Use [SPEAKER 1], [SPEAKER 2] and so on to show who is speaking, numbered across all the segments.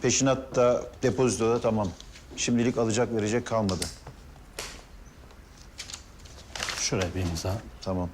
[SPEAKER 1] Peşinat da depozito da tamam. Şimdilik alacak verecek kalmadı.
[SPEAKER 2] Şuraya bir imza.
[SPEAKER 1] Tamam.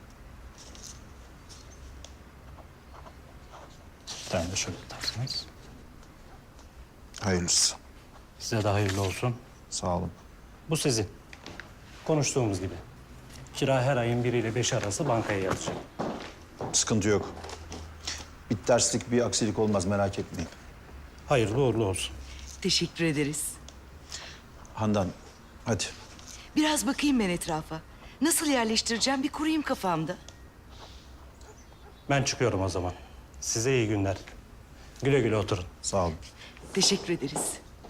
[SPEAKER 2] Bir tane de şöyle atarsınız.
[SPEAKER 1] Hayırlısı.
[SPEAKER 2] Size de hayırlı olsun.
[SPEAKER 1] Sağ olun.
[SPEAKER 2] Bu sizin. Konuştuğumuz gibi. Kira her ayın 1 ile 5 arası bankaya yatacak.
[SPEAKER 1] Sıkıntı yok. Bir terslik, bir aksilik olmaz merak etmeyin.
[SPEAKER 2] Hayırlı uğurlu olsun.
[SPEAKER 3] Teşekkür ederiz.
[SPEAKER 1] Handan, hadi.
[SPEAKER 3] Biraz bakayım ben etrafa. Nasıl yerleştireceğim bir kurayım kafamda.
[SPEAKER 2] Ben çıkıyorum o zaman. Size iyi günler. Güle güle oturun.
[SPEAKER 1] Sağ olun.
[SPEAKER 3] Teşekkür ederiz.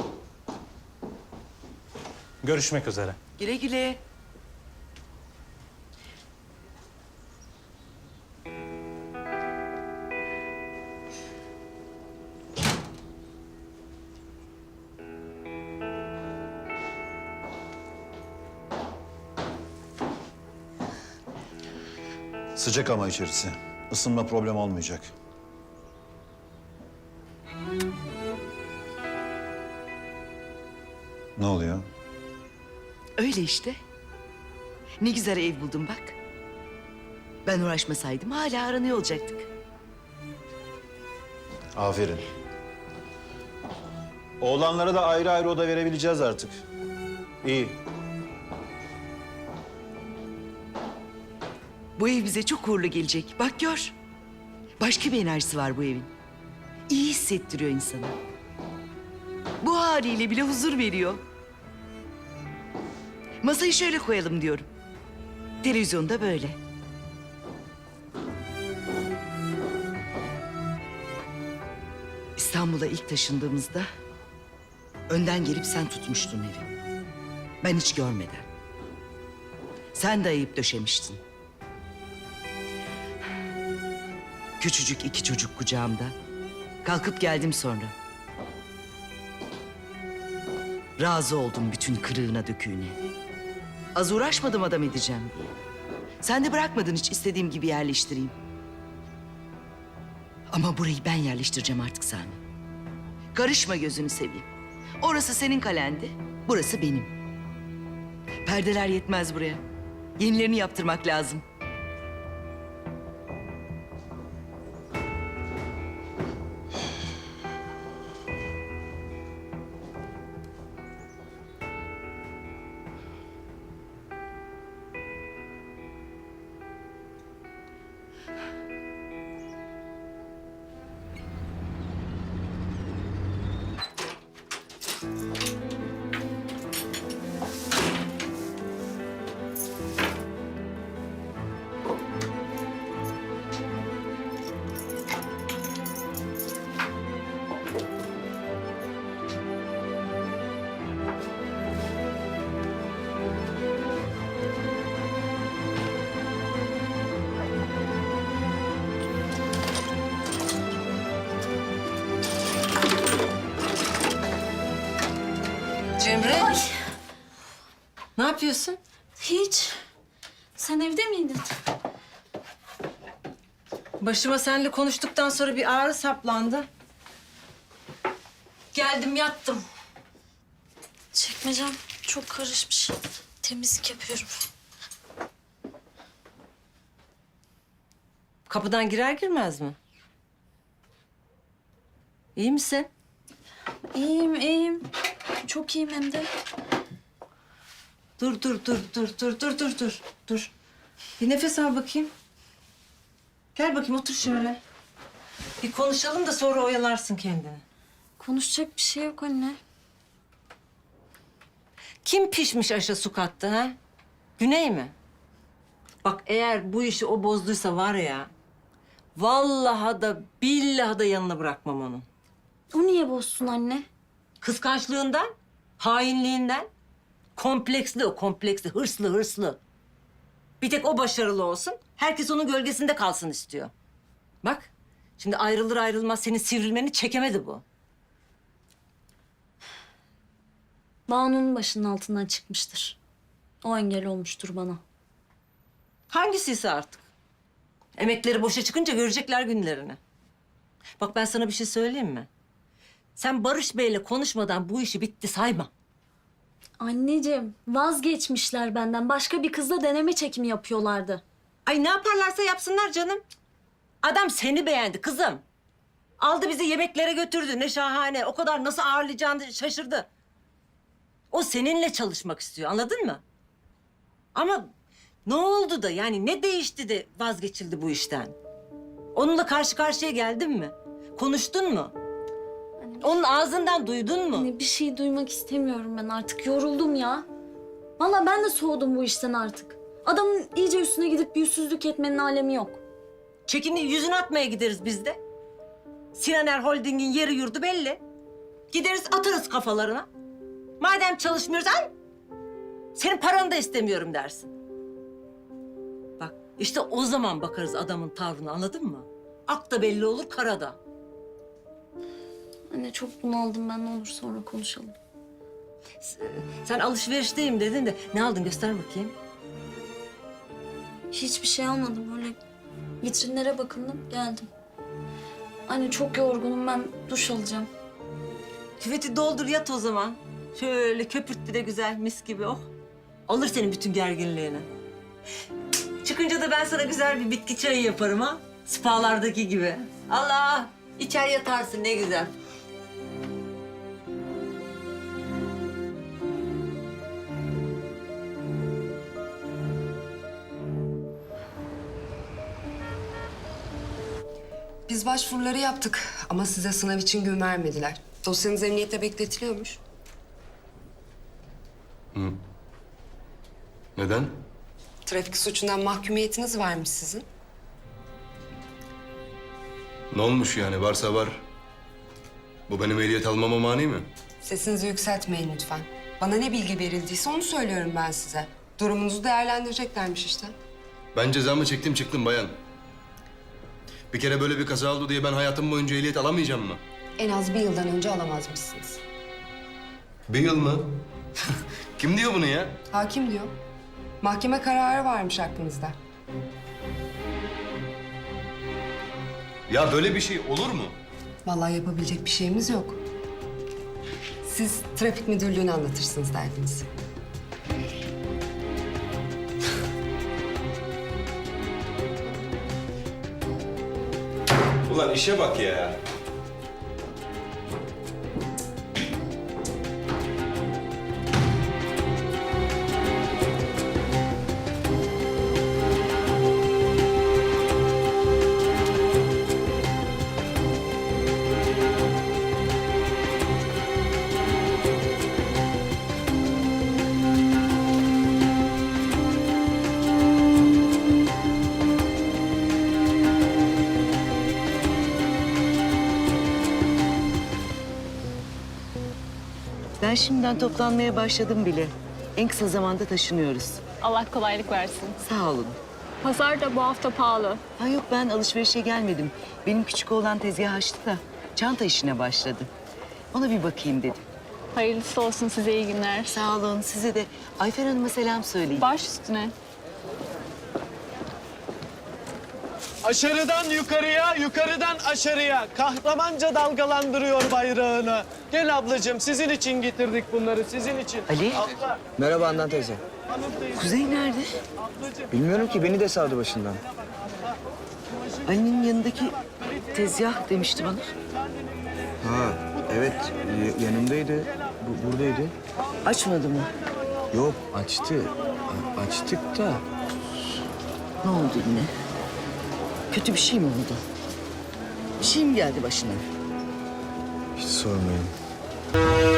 [SPEAKER 2] Görüşmek üzere.
[SPEAKER 3] Güle güle.
[SPEAKER 1] Sıcak ama içerisi. Isınma problem olmayacak. Ne oluyor?
[SPEAKER 3] Öyle işte. Ne güzel ev buldum bak. Ben uğraşmasaydım hala aranıyor olacaktık.
[SPEAKER 1] Aferin. Oğlanlara da ayrı ayrı oda verebileceğiz artık. İyi.
[SPEAKER 3] Bu ev bize çok uğurlu gelecek. Bak gör. Başka bir enerjisi var bu evin. İyi hissettiriyor insanı. Bu haliyle bile huzur veriyor. Masayı şöyle koyalım diyorum. Televizyonda böyle. İstanbul'a ilk taşındığımızda önden gelip sen tutmuştun evi. Ben hiç görmeden. Sen dayayıp döşemiştin. Küçücük 2 çocuk kucağımda. Kalkıp geldim sonra. Razı oldum bütün kırığına döküğüne. Az uğraşmadım adam edeceğim diye. Sen de bırakmadın hiç istediğim gibi yerleştireyim. Ama burayı ben yerleştireceğim artık Sami. Karışma gözünü seveyim. Orası senin kalendi, burası benim. Perdeler yetmez buraya. Yenilerini yaptırmak lazım.
[SPEAKER 4] Cemre. Ne yapıyorsun?
[SPEAKER 5] Hiç. Sen evde miydin?
[SPEAKER 4] Başıma seninle konuştuktan sonra bir ağrı saplandı. Geldim yattım.
[SPEAKER 5] Çekmecem çok karışmış. Temizlik yapıyorum.
[SPEAKER 4] Kapıdan girer girmez mi? İyi misin?
[SPEAKER 5] İyiyim, iyiyim. Çok iyiyim hem de.
[SPEAKER 4] Dur. Bir nefes al bakayım. Gel bakayım otur şöyle. Bir konuşalım da sonra oyalarsın kendini.
[SPEAKER 5] Konuşacak bir şey yok anne.
[SPEAKER 4] Kim pişmiş aşa su kattı ha? Güney mi? Bak eğer bu işi o bozduysa var ya... ...vallahi da billahi da yanına bırakmam onu.
[SPEAKER 5] O niye bozsun anne?
[SPEAKER 4] Kıskançlığından, hainliğinden. Kompleksli o, kompleksli. Hırslı. Bir tek o başarılı olsun. Herkes onun gölgesinde kalsın istiyor. Bak, şimdi ayrılır ayrılmaz senin sivrilmeni çekemedi bu.
[SPEAKER 5] Banu'nun başının altından çıkmıştır. O engel olmuştur bana.
[SPEAKER 4] Hangisiyse artık. Emekleri boşa çıkınca görecekler günlerini. Bak ben sana bir şey söyleyeyim mi? Sen Barış Bey'le konuşmadan bu işi bitti sayma.
[SPEAKER 5] Anneciğim vazgeçmişler benden. Başka bir kızla deneme çekimi yapıyorlardı.
[SPEAKER 4] Ay ne yaparlarsa yapsınlar canım. Adam seni beğendi kızım. Aldı bizi yemeklere götürdü. Ne şahane. O kadar nasıl ağırlayacağını şaşırdı. O seninle çalışmak istiyor. Anladın mı? Ama ne oldu da yani ne değişti de vazgeçildi bu işten? Onunla karşı karşıya geldin mi? Konuştun mu? Onun ağzından duydun mu?
[SPEAKER 5] Anne bir şey duymak istemiyorum ben artık. Yoruldum ya. Vallahi ben de soğudum bu işten artık. Adamın iyice üstüne gidip yüzsüzlük etmenin alemi yok.
[SPEAKER 4] Çekini yüzünü atmaya gideriz biz de. Sinaner Holding'in yeri yurdu belli. Gideriz atarız kafalarına. Madem çalışmıyoruz al. Senin paranı da istemiyorum dersin. Bak işte o zaman bakarız adamın tavrına, anladın mı? Ak da belli olur, kara da.
[SPEAKER 5] Anne çok bunaldım ben, ne olur sonra konuşalım.
[SPEAKER 4] Sen alışverişteyim dedin de ne aldın göster bakayım.
[SPEAKER 5] Hiçbir şey almadım, öyle vitrinlere bakındım geldim. Anne çok yorgunum, ben duş alacağım.
[SPEAKER 4] Küveti doldur yat o zaman. Şöyle köpürt bir de güzel mis gibi oh. Alır senin bütün gerginliğini. Çıkınca da ben sana güzel bir bitki çayı yaparım ha. Spalardaki gibi. Allah! İçer yatarsın ne güzel.
[SPEAKER 6] Biz başvuruları yaptık ama size sınav için gün vermediler. Dosyanız emniyette bekletiliyormuş.
[SPEAKER 7] Neden?
[SPEAKER 6] Trafik suçundan mahkumiyetiniz varmış sizin.
[SPEAKER 7] Ne olmuş yani? Varsa var. Bu benim ehliyet almama mani mi?
[SPEAKER 6] Sesinizi yükseltmeyin lütfen. Bana ne bilgi verildiyse onu söylüyorum ben size. Durumunuzu değerlendireceklermiş işte.
[SPEAKER 7] Ben cezamı çektim çıktım bayan. Bir kere böyle bir kaza oldu diye ben hayatım boyunca ehliyet alamayacağım mı?
[SPEAKER 6] En az bir yıldan önce alamazmışsınız.
[SPEAKER 7] Bir yıl mı? Kim diyor bunu ya?
[SPEAKER 6] Hakim diyor. Mahkeme kararı varmış aklınızda.
[SPEAKER 7] Ya böyle bir şey olur mu?
[SPEAKER 6] Vallahi yapabilecek bir şeyimiz yok. Siz trafik müdürlüğüne anlatırsınız derdinizi.
[SPEAKER 7] Ulan işe bak ya.
[SPEAKER 3] Ben şimdiden toplanmaya başladım bile. En kısa zamanda taşınıyoruz.
[SPEAKER 8] Allah kolaylık versin.
[SPEAKER 3] Sağ olun.
[SPEAKER 8] Pazar da bu hafta pahalı.
[SPEAKER 3] Ha yok, ben alışverişe gelmedim. Benim küçük oğlan tezgah açtı da çanta işine başladı. Ona bir bakayım dedim.
[SPEAKER 8] Hayırlısı olsun, size iyi günler.
[SPEAKER 3] Sağ olun, size de Ayfer Hanım'a selam söyleyin.
[SPEAKER 8] Baş üstüne.
[SPEAKER 9] Aşırıdan yukarıya, yukarıdan aşağıya kahramanca dalgalandırıyor bayrağını. Gel ablacığım, sizin için getirdik bunları, sizin için.
[SPEAKER 3] Ali,
[SPEAKER 9] Abla,
[SPEAKER 10] Merhaba Handan teyze.
[SPEAKER 9] hanım teyze,
[SPEAKER 3] Kuzey nerede?
[SPEAKER 9] ablacığım.
[SPEAKER 10] Bilmiyorum ki, beni de savdı başından.
[SPEAKER 3] Ali'nin yanındaki tezgah demişti bana.
[SPEAKER 10] Ha, evet, yanımdaydı. Buradaydı.
[SPEAKER 3] Açmadı mı?
[SPEAKER 10] Yok, açtı. Açtık da.
[SPEAKER 3] Ne oldu yine? Kötü bir şey mi oldu? Bir şey mi geldi başına?
[SPEAKER 10] Hiç sormayın.